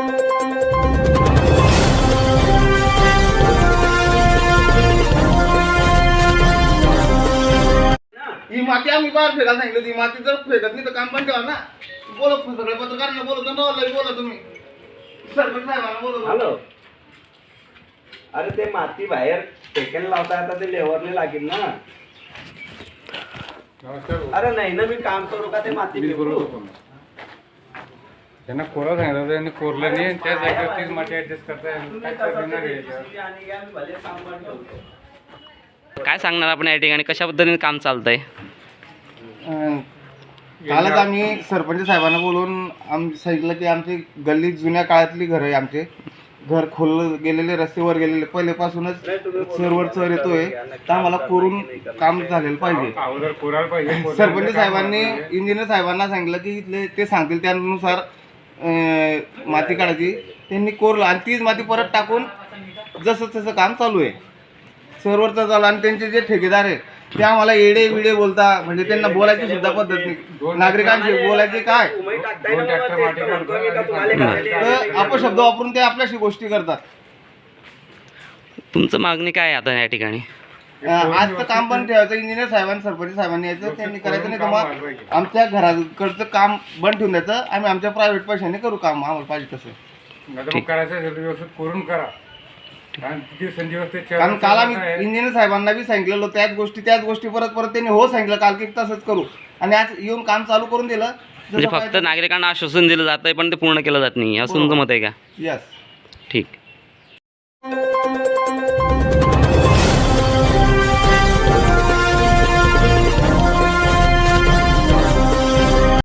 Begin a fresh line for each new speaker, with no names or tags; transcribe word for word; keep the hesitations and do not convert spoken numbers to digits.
ही माती आम्ही बाहेर फेकायला सांगितलं, ती माती जर फेकत नाही तर काम पण ठेवा ना. बोला सगळे पत्रकारांना बोलतो ना, बोला तुम्ही सरपंच साहेबांना बोलतो.
हॅलो, अरे ते माती बाहेर फेकायला लावता आता ते लेवरले लागेल ना. अरे नाही ना, मी काम करू का ते माती फेकू?
त्यांना कोरा सांगितलं त्यांनी कोरलं नाही, त्या जागेवर तीच माती ऍडजस्ट करताय.
काय सांगणार आपण या ठिकाणी, कशा पद्धतीने काम चालतंय?
कालच आम्ही सरपंच साहेबांना बोलून आम सांगितलं की आमची गल्ली जुन्या काळातली घर आहे, आमचे घर खोल गेलेले, रस्त्यावर गेलेले, पहिलेपासूनच सरवर चर येतोय, तर आम्हाला कोरून काम झालेलं पाहिजे.
अगोदर कोरायला पाहिजे.
सरपंच साहेबांनी इंजिनियर साहेबांना सांगितलं की इथले ते सांगतील त्यानुसार माती काढायची. त्यांनी कोरलं आणि तीच माती परत टाकून जसं तसं काम चालू आहे, सर्वरचं चालू. आणि त्यांचे जे ठेकेदार आहे ते आम्हाला येडे विडे बोलता, म्हणजे त्यांना बोलायची सुद्धा पद्धत नाही. नागरिकांची बोलायचे काय तर अपशब्द वापरून ते आपल्याशी गोष्टी करतात.
तुमचं मागणी काय आहे आता या ठिकाणी?
आज तर काम बंद ठेवायचं, इंजिनियर साहेबांनी सरपंच साहेबांनी यायचं, त्यांनी करायचं. नाही तर मग आमच्या घराकडचं काम बंद ठेवून द्यायचं, आम्ही आमच्या प्रायव्हेट पैशाने करू काम, आम्हाला पाहिजे तसं
करायचं व्यवस्थित करून करा.
कारण काल आम्ही इंजिनियर साहेबांना बी सांगितलेलं, त्याच गोष्टी त्याच गोष्टी परत परत त्यांनी हो सांगितलं काल की तसंच करू, आणि आज येऊन काम चालू करून दिलं.
म्हणजे फक्त नागरिकांना आश्वासन दिलं जात आहे पण ते पूर्ण केलं जात नाही, असं तुमचं मत आहे का?
यस.
ठीक.